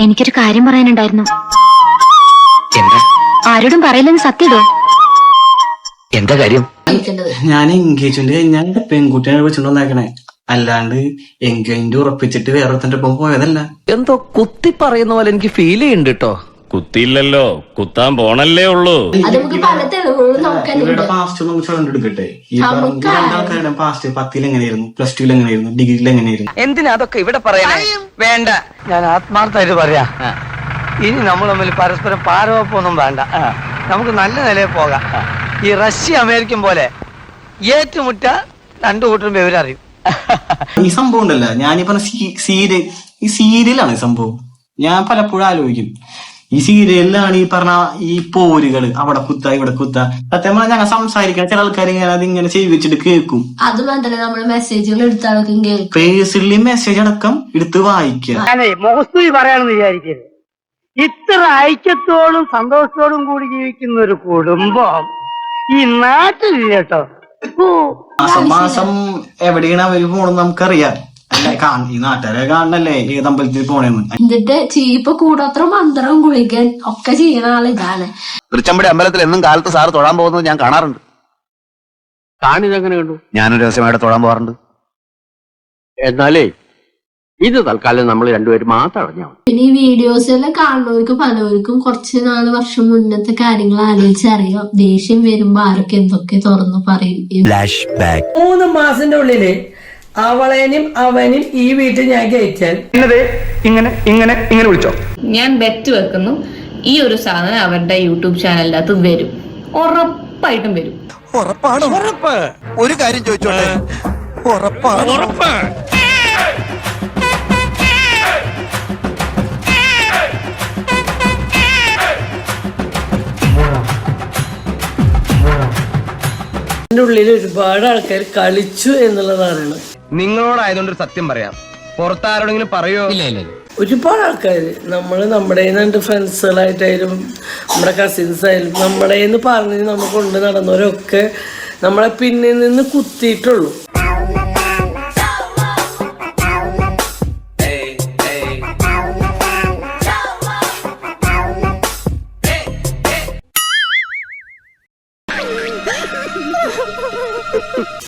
എനിക്കൊരു കാര്യം പറയാനുണ്ടായിരുന്നു. എന്താ? ആരോടും പറയില്ലെന്ന് സത്യടോ. എന്താ കാര്യം? ഞാൻ എൻഗേജ്മെന്റ് കഴിഞ്ഞാൽ പെൺകുട്ടിയെ വെച്ചിട്ടുണ്ടാക്കണേ, അല്ലാണ്ട് എൻഗേജ്മെന്റ് ഉറപ്പിച്ചിട്ട് വേറൊരുത്തന്റെ ഒപ്പം പോയതല്ല. എന്തോ കുത്തി പറയുന്ന പോലെ എനിക്ക് ഫീൽ ചെയ്യുന്നുണ്ട് കേട്ടോ. കുത്തിയില്ലല്ലോ, കുത്താൻ പോണല്ലേ ഉള്ളൂ. ഇവരുടെ പാസ്റ്റ് നമുക്ക് കണ്ടെടുക്കട്ടെ. ഈ പറഞ്ഞ രണ്ടാൾക്കാരുടെ പാസ്റ്റ് 10ൽ എങ്ങനെയായിരുന്നു, +2 എങ്ങനെയായിരുന്നു, ഡിഗ്രിയിൽ എങ്ങനെയായിരുന്നു? എന്തിനാ അതൊക്കെ ഇവിടെ പറയണേ? വേണ്ട, ഞാൻ ആത്മാർത്ഥമായിട്ട് പറയാ. ഇനി നമ്മൾ തമ്മിൽ പരസ്പരം പാരവപ്പൊന്നും വേണ്ട. നമുക്ക് നല്ല നിലയിൽ പോകാം. ഈ റഷ്യ അമേരിക്കൻ പോലെ ഏറ്റുമുട്ട രണ്ടു കൂട്ടരും വിവരറിയും. ഈ സംഭവം ഉണ്ടല്ല, ഞാനീ പറഞ്ഞ സീരിയലാണ് ഈ സംഭവം. ഞാൻ പലപ്പോഴും ആലോചിക്കും, ഈ സീരിയലിലാണ് ഈ പറഞ്ഞ ഈ പോരുകള്, അവിടെ കുത്ത ഇവിടെ കുത്ത. സത്യം പറഞ്ഞാൽ ഞങ്ങൾ സംസാരിക്കാൻ ചില ആൾക്കാർ ഇങ്ങനെ അതിങ്ങനെ ചെയ്യിച്ചിട്ട് കേൾക്കും. അത് മാത്രമല്ല, നമ്മള് മെസ്സേജുകൾ എടുത്തടക്കം കേൾക്കും. പേഴ്സണലി മെസ്സേജ് അടക്കം എടുത്ത് വായിക്കുക. ഞാനേ മുഖസ്തുതി പറയാണെന്ന് വിചാരിക്കരുത്. ഇത്ര ഐക്യത്തോടും സന്തോഷത്തോടും കൂടി ജീവിക്കുന്ന ഒരു കുടുംബം ഈ നാട്ടിലില്ല കേട്ടോ. മാസം മാസം എവിടെയാണ് അവര് പോണെന്ന് നമുക്കറിയാം. ഈ നാട്ടുകാരെ കാണണല്ലേ ഏത് അമ്പലത്തിൽ പോണേന്ന്. എന്നിട്ട് ചീപ്പ് കൂടോത്ര മന്ത്രം കുളിക്കാൻ ഒക്കെ ചെയ്യണ ആളിതാണ്. തൃച്ചമ്പടി അമ്പലത്തിൽ എന്നും കാലത്ത് സാറ് തൊഴാൻ പോകുന്നത് ഞാൻ കാണാറുണ്ട്. കാണിതെങ്ങനെ കണ്ടു? ഞാനൊരു ദിവസമായിട്ട് തൊഴാൻ പോകാറുണ്ട്. എന്നാലേ ഇത് തൽക്കാലം നമ്മൾ രണ്ടുപേരും മാത്രം അറിഞ്ഞാൽ മതി. പിന്നെ ഈ വീഡിയോസ് എല്ലാം കാണുന്നവർക്ക് പലവർക്കും കുറച്ച് 4 വർഷം മുന്നത്തെ കാര്യങ്ങൾ ആലോചിച്ചറിയാം. ദേഷ്യം വരുമ്പോ ആരൊക്കെ എന്തൊക്കെ തുറന്നു പറയും. 3 മാസത്തിന്റെ ഉള്ളില് അവളേനും അവനും ഈ വീട്ടിൽ ഞാൻ കയറ്റാൻ ഇങ്ങനെ ഇങ്ങനെ ഇങ്ങനെ വിളിച്ചോ. ഞാൻ ബെറ്റ് വെക്കുന്നു, ഈ ഒരു സാധനം അവരുടെ യൂട്യൂബ് ചാനലിന്റെ അകത്ത് വരും. ഉറപ്പായിട്ടും വരും. ഒരു കാര്യം ചോദിച്ചോട്ടെ, ഉള്ളിൽ ഒരുപാട് ആൾക്കാർ കളിച്ചു എന്നുള്ളതാണ്. നിങ്ങളോടായതുകൊണ്ട് സത്യം പറയാം, പുറത്താരോടെങ്കിലും പറയോ? ഒരുപാട് ആൾക്കാർ നമ്മുടെ ഫ്രണ്ട്സുകളായിട്ടായാലും നമ്മുടെ കസിൻസ് ആയാലും നമ്മുടെ പറഞ്ഞ് നമ്മൾ കൊണ്ട് നടന്നവരൊക്കെ നമ്മളെ പിന്നിൽ നിന്ന് കുത്തിയിട്ടുള്ളൂ.